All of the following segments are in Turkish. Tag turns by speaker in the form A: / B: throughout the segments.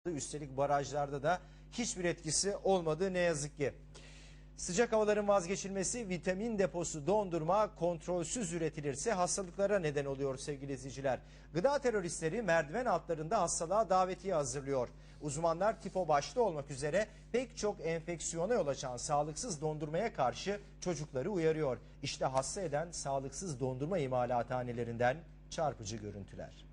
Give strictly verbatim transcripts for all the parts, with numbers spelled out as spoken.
A: Üstelik barajlarda da hiçbir etkisi olmadı ne yazık ki. Sıcak havaların vazgeçilmesi, vitamin deposu dondurma kontrolsüz üretilirse hastalıklara neden oluyor sevgili izleyiciler. Gıda teröristleri merdiven altlarında hastalığa davetiye hazırlıyor. Uzmanlar tifo başta olmak üzere pek çok enfeksiyona yol açan sağlıksız dondurmaya karşı çocukları uyarıyor. İşte hasta eden sağlıksız dondurma imalathanelerinden çarpıcı görüntüler.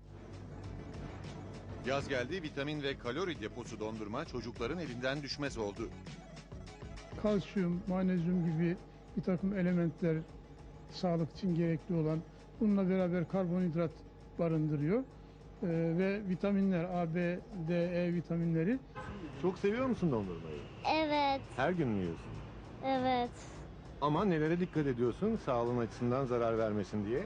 B: Yaz geldi, vitamin ve kalori deposu dondurma çocukların elinden düşmez oldu.
C: Kalsiyum, magnezyum gibi bir takım elementler sağlık için gerekli olan, bununla beraber karbonhidrat barındırıyor. Ee, ve vitaminler A, B, D, E vitaminleri.
D: Çok seviyor musun dondurmayı?
E: Evet,
D: Her gün mü yiyorsun?
E: evet.
D: Ama nelere dikkat ediyorsun sağlığın açısından zarar vermesin diye?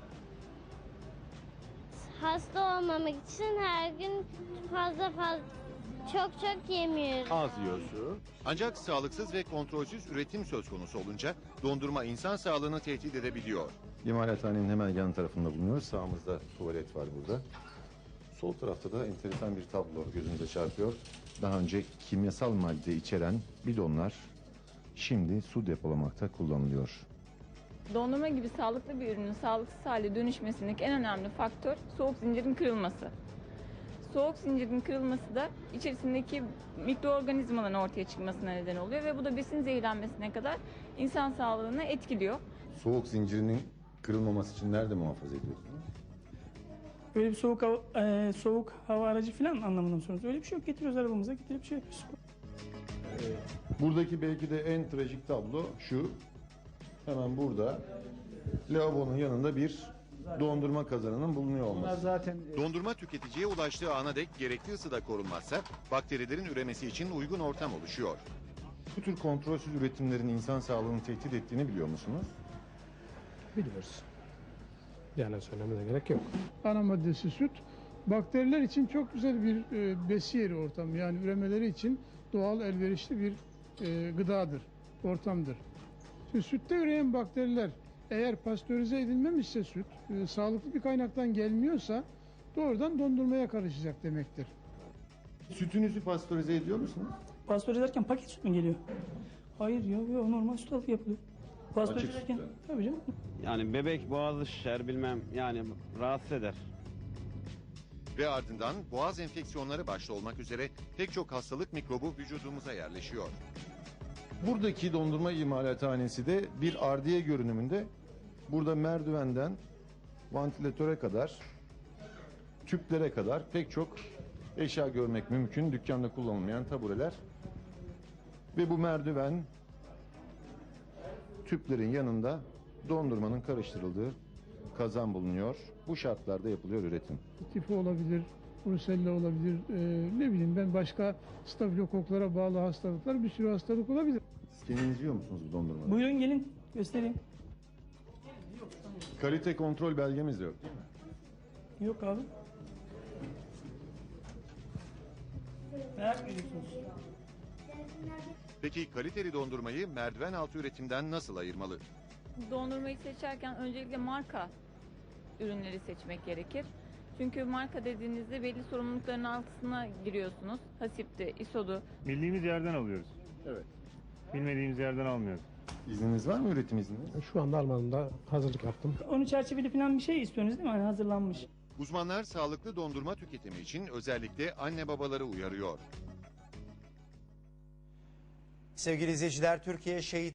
E: Hasta olmamak için her gün fazla fazla çok çok yemiyoruz.
D: Az yiyorsun.
B: Ancak sağlıksız ve kontrolsüz üretim söz konusu olunca dondurma insan sağlığını tehdit edebiliyor.
D: İmalathanenin hemen yan tarafında bulunuyoruz. Sağımızda tuvalet var burada. Sol tarafta da enteresan bir tablo gözümüze çarpıyor. Daha önce kimyasal madde içeren bidonlar şimdi su depolamakta kullanılıyor.
F: Dondurma gibi sağlıklı bir ürünün sağlıksız hale dönüşmesindeki en önemli faktör soğuk zincirin kırılması. Soğuk zincirin kırılması da içerisindeki mikroorganizmaların ortaya çıkmasına neden oluyor ve bu da besin zehirlenmesine kadar insan sağlığını etkiliyor.
D: Soğuk zincirinin kırılmaması için nerede muhafaza ediyorsunuz?
G: Öyle bir soğuk hava, e, soğuk hava aracı falan anlamında mı soruyorsunuz? Öyle bir şey yok. Getiriyoruz arabamıza, getirip şey yapıyoruz.
D: Buradaki belki de en trajik tablo şu. Hemen burada lavabonun yanında bir dondurma kazanının bulunuyor olması.
G: Zaten
B: Dondurma tüketiciye ulaştığı ana dek gerekli ısıda korunmazsa bakterilerin üremesi için uygun ortam oluşuyor.
D: Bu tür kontrolsüz üretimlerin insan sağlığını tehdit ettiğini biliyor musunuz?
H: Biliyoruz. Yani söylemene gerek yok.
C: Ana maddesi süt. Bakteriler için çok güzel bir e, besi yeri ortamı. Yani üremeleri için doğal elverişli bir e, gıdadır, ortamdır. Şimdi sütte üreyen bakteriler eğer pastörize edilmemişse süt, e, sağlıklı bir kaynaktan gelmiyorsa doğrudan dondurmaya karışacak demektir.
D: Sütünüzü pastörize ediyor musunuz?
G: pastörize ederken paket süt mü geliyor? Hayır yok, yok normal süt alıp yapılıyor. Pastörize
D: Açık
G: ederken
D: sütle.
G: tabii canım.
I: Yani bebek boğazı şişer bilmem yani rahatsız eder.
B: Ve ardından boğaz enfeksiyonları başta olmak üzere pek çok hastalık mikrobu vücudumuza yerleşiyor.
D: Buradaki dondurma imalathanesi de bir ardiye görünümünde. Burada merdivenden vantilatöre kadar, tüplere kadar pek çok eşya görmek mümkün. Dükkanda kullanılmayan tabureler. Ve bu merdiven tüplerin yanında dondurmanın karıştırıldığı kazan bulunuyor. Bu şartlarda yapılıyor üretim.
C: Tifo olabilir, brusella olabilir, e, ne bileyim ben başka stafilokoklara bağlı hastalıklar, bir sürü hastalık olabilir.
D: Siz kendiniz yiyor musunuz bu dondurmayı?
G: Buyurun gelin göstereyim.
D: Kalite kontrol belgemiz de yok değil mi?
G: Yok abi. Merak ediyorsunuz.
B: Peki kaliteli dondurmayı merdiven altı üretimden nasıl ayırmalı?
F: Dondurmayı seçerken öncelikle marka ürünleri seçmek gerekir. Çünkü marka dediğinizde belli sorumlulukların altına giriyorsunuz. Hasipti, isodu.
J: Bildiğimiz yerden alıyoruz.
D: Evet.
J: Bilmediğimiz yerden almıyoruz.
D: İzniniz var mı, üretim izniniz?
H: Şu anda Alman'da hazırlık yaptım.
G: Onu çerçeveli falan bir şey istiyorsunuz değil mi? Hani hazırlanmış.
B: Uzmanlar sağlıklı dondurma tüketimi için özellikle anne babaları uyarıyor.
A: Sevgili izleyiciler, Türkiye şehit